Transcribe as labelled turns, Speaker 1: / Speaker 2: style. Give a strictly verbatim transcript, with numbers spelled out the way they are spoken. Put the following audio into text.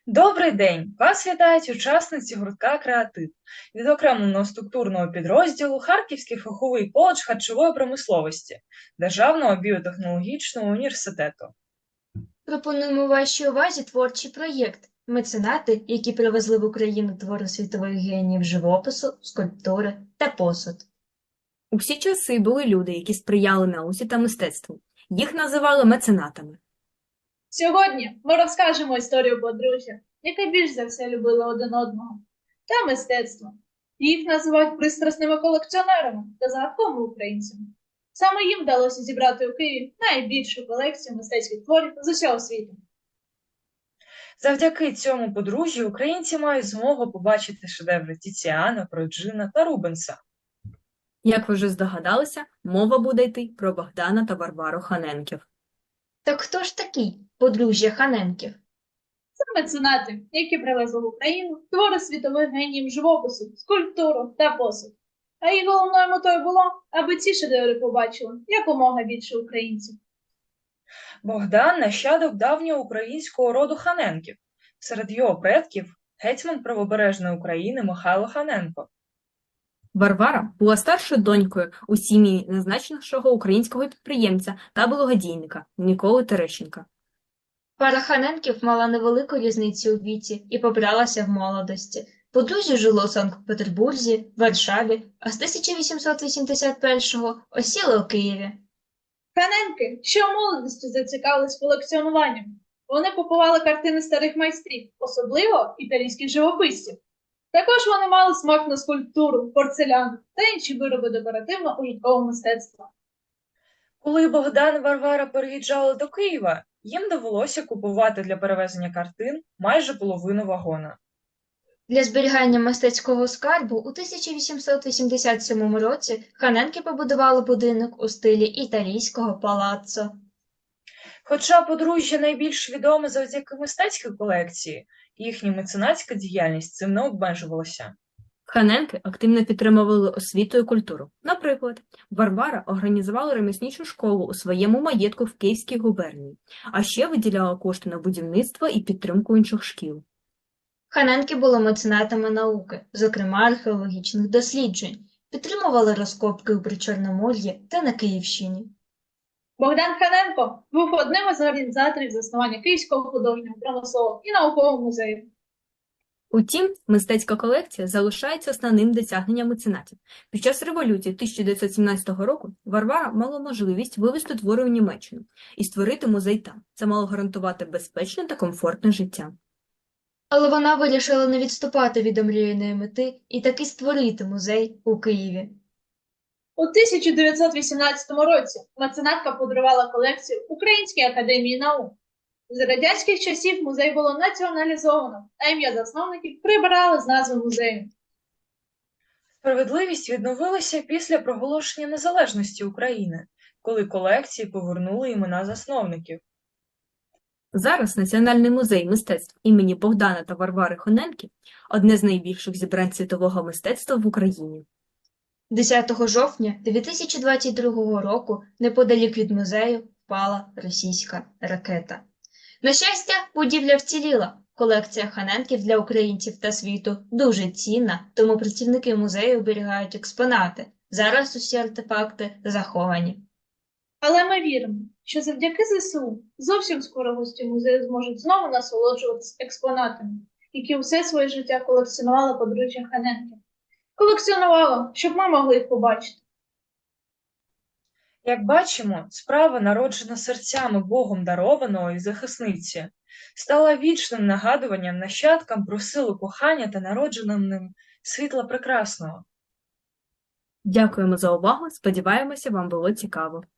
Speaker 1: Добрий день! Вас вітають учасниці гуртка «Креатив» відокремленого структурного підрозділу Харківський фаховий коледж харчової промисловості Державного біотехнологічного університету.
Speaker 2: Пропонуємо вашій увазі творчий проєкт «Меценати, які привезли в Україну твори світових геніїв живопису, скульптури та посуд».
Speaker 3: У всі часи були люди, які сприяли науці та мистецтву. Їх називали меценатами.
Speaker 4: Сьогодні ми розкажемо історію подружжя, яке більш за все любило один одного, та мистецтво. Їх називають пристрасними колекціонерами та загадковими українцями. Саме їм вдалося зібрати у Києві найбільшу колекцію мистецьких творів з усього світу.
Speaker 1: Завдяки цьому подружжю українці мають змогу побачити шедеври Тіціана, Проджина та Рубенса.
Speaker 3: Як ви вже здогадалися, мова буде йти про Богдана та Варвару Ханенків.
Speaker 2: Так хто ж такий подружжя Ханенків?
Speaker 4: Це меценати, які привезли в Україну твори світових геніїв живопису, скульптуру та посуд. А їх головною метою було, аби ці шедеври побачили якомога більше українців.
Speaker 1: Богдан – нащадок давнього українського роду Ханенків. Серед його предків – гетьман правобережної України Михайло Ханенко.
Speaker 3: Варвара була старшою донькою у сім'ї назначенішого українського підприємця та благодійника Миколи Терещенка.
Speaker 2: Пара Ханенків мала невелику різницю у віці і побралася в молодості. Подружжя жило у Санкт-Петербурзі, Варшаві, а з тисяча вісімсот вісімдесят першого осіло у Києві.
Speaker 4: Ханенки ще у молодості зацікавились колекціонуванням. Вони купували картини старих майстрів, особливо італійських живописців. Також вони мали смак на скульптуру, порцелян та інші вироби декоративно-ужиткового мистецтва.
Speaker 1: Коли Богдан і Варвара переїжджали до Києва, їм довелося купувати для перевезення картин майже половину вагона.
Speaker 2: Для зберігання мистецького скарбу у тисяча вісімсот вісімдесят сьомому році Ханенки побудували будинок у стилі італійського палаццо.
Speaker 1: Хоча подружжя найбільш відоме завдяки мистецькій колекції, їхня меценатська діяльність цим не обмежувалася.
Speaker 3: Ханенки активно підтримували освіту і культуру. Наприклад, Варвара організувала ремісничу школу у своєму маєтку в Київській губернії, а ще виділяла кошти на будівництво і підтримку інших шкіл.
Speaker 2: Ханенки були меценатами науки, зокрема археологічних досліджень, підтримували розкопки у Причорномор'ї та на Київщині.
Speaker 4: Богдан Ханенко був одним із організаторів заснування Київського художнього, промислового і наукового музею.
Speaker 3: Утім, мистецька колекція залишається основним досягненням меценатів. Під час революції тисяча дев'ятсот сімнадцятого року Варвара мала можливість вивезти твори у Німеччину і створити музей там. Це мало гарантувати безпечне та комфортне життя.
Speaker 2: Але вона вирішила не відступати від омріяної мети і таки створити музей у Києві.
Speaker 4: У тисяча дев'ятсот вісімнадцятому році меценатка подарувала колекцію Українській академії наук. З радянських часів музей було націоналізовано, а ім'я засновників прибрали з назви музею.
Speaker 1: Справедливість відновилася після проголошення незалежності України, коли колекції повернули імена засновників.
Speaker 3: Зараз Національний музей мистецтв імені Богдана та Варвари Ханенків – одне з найбільших зібрань світового мистецтва в Україні.
Speaker 2: десятого жовтня дві тисячі двадцять другого року неподалік від музею впала російська ракета. На щастя, будівля вціліла. Колекція Ханенків для українців та світу дуже цінна, тому працівники музею оберігають експонати. Зараз усі артефакти заховані.
Speaker 4: Але ми віримо, що завдяки зе се у зовсім скоро гості музею зможуть знову насолоджуватися експонатами, які усе своє життя колекціонували подружжя Ханенків. Колекціонувала, щоб ми могли їх побачити.
Speaker 1: Як бачимо, справа, народжена серцями Богом дарованої захисниці, стала вічним нагадуванням нащадкам про силу кохання та народженим ним світла прекрасного.
Speaker 3: Дякуємо за увагу, сподіваємося, вам було цікаво.